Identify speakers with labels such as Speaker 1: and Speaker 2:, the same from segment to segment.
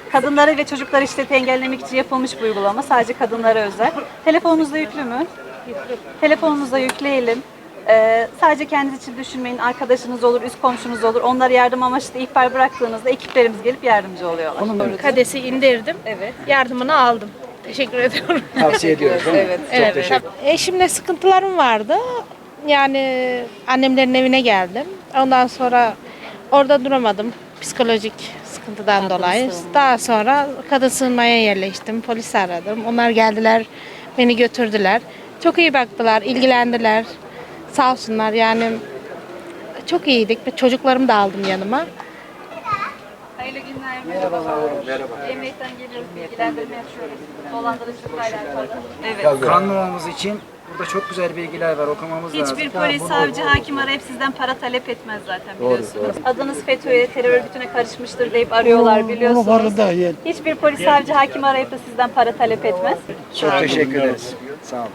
Speaker 1: Kadınları ve çocukları şiddeti engellemek için yapılmış bir uygulama. Sadece kadınlara özel. Telefonunuzda yüklü mü? Telefonunuza yükleyelim. Sadece kendiniz için düşünmeyin. Arkadaşınız olur, üst komşunuz olur. Onlara yardım amaçlı ihbar bıraktığınızda ekiplerimiz gelip yardımcı oluyorlar.
Speaker 2: Kadesi indirdim.
Speaker 1: Evet.
Speaker 2: Yardımını aldım. Teşekkür ediyorum.
Speaker 3: Tavsiye ediyoruz değil mi?
Speaker 1: Evet.
Speaker 3: Çok
Speaker 2: Evet.
Speaker 3: teşekkür
Speaker 2: Eşimle sıkıntılarım vardı. Yani annemlerin evine geldim. Ondan sonra orada duramadım. Psikolojik sıkıntıdan dolayı.
Speaker 1: sığınma.
Speaker 2: Daha sonra kadın sığınmaya yerleştim. Polisi aradım. Onlar geldiler, beni götürdüler. Çok iyi baktılar, ilgilendiler. Sağ olsunlar yani. Çok iyiydik. Çocuklarımı da aldım yanıma.
Speaker 1: Hayırlı günler. Merhaba. Emniyet'ten geliyoruz. Bilgilendirme yapıyoruz. Dolandırıcılıkla alakalı. Evet.
Speaker 3: Kanunumuz için burada çok güzel bilgiler var. Okumamız lazım.
Speaker 1: Hiçbir polis, savcı, hakim arayıp sizden para talep etmez zaten biliyorsunuz. Adınız FETÖ'ye, terör örgütüne karışmıştır deyip arıyorlar biliyorsunuz. Hiçbir polis, savcı, hakim arayıp da sizden para talep etmez.
Speaker 3: Çok teşekkür ederiz. Sağ olun.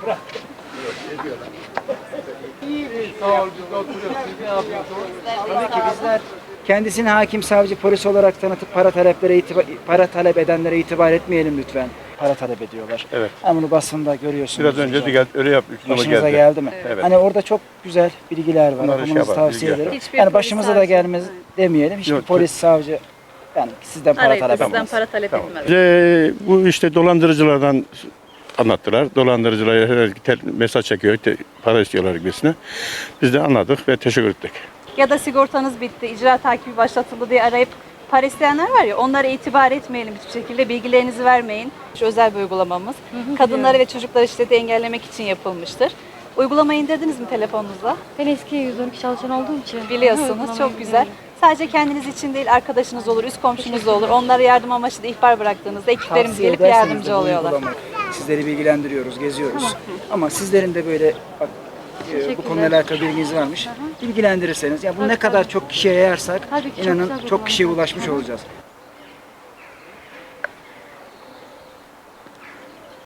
Speaker 3: Tabii ki bizler kendisini hakim, savcı, polis olarak tanıtıp para talep edenlere itibar etmeyelim lütfen. Para talep ediyorlar.
Speaker 4: Evet.
Speaker 3: Hani bunu basında görüyorsunuz.
Speaker 4: Biraz önce de öyle yaptık.
Speaker 3: Başınıza geldi mi?
Speaker 4: Evet.
Speaker 3: Hani orada çok güzel bilgiler var.
Speaker 4: Bunları
Speaker 3: Okumanızı
Speaker 4: yapalım,
Speaker 3: tavsiye
Speaker 4: bilgi
Speaker 3: ederim.
Speaker 1: Hiçbir
Speaker 3: Yani
Speaker 1: polis,
Speaker 3: başımıza da
Speaker 1: savcı-
Speaker 3: gelmez demeyelim. Hiçbir
Speaker 4: Yok,
Speaker 3: polis, savcı yani sizden para
Speaker 1: Arayıp da
Speaker 3: talep
Speaker 1: sizden
Speaker 3: etmez.
Speaker 1: para talep
Speaker 4: Tamam.
Speaker 1: etmez.
Speaker 4: Bize bu işte dolandırıcılardan anlattılar. Dolandırıcılara herhalde mesaj çekiyor, para istiyorlar gibisine. Biz de anladık ve teşekkür ettik.
Speaker 1: Ya da sigortanız bitti, icra takibi başlatıldı diye arayıp para isteyenler var ya, onlara itibar etmeyelim hiçbir şekilde, bilgilerinizi vermeyin. Şu özel bir uygulamamız. Kadınları ve çocukları şiddeti engellemek için yapılmıştır. Uygulamayı indirdiniz mi telefonunuzda?
Speaker 5: Ben eski 112 çalışan olduğum için.
Speaker 1: Biliyorsunuz, çok güzel. Sadece kendiniz için değil, arkadaşınız olur, üst komşunuz olur. Onlara yardım amaçlı ihbar bıraktığınızda ekiplerimiz
Speaker 3: Tavsiye
Speaker 1: gelip
Speaker 3: ederseniz de
Speaker 1: yardımcı
Speaker 3: bu
Speaker 1: oluyorlar.
Speaker 3: uygulamayı. Sizleri bilgilendiriyoruz, geziyoruz. Ama sizlerin de böyle bak, bu konuyla alakalı bilginiz varmış. Bilgilendirirseniz, ya bu ne kadar çok kişiye yayarsak
Speaker 5: Tabii ki çok
Speaker 3: inanın
Speaker 5: güzel bir
Speaker 3: çok kişiye
Speaker 5: uygulama.
Speaker 3: ulaşmış olacağız.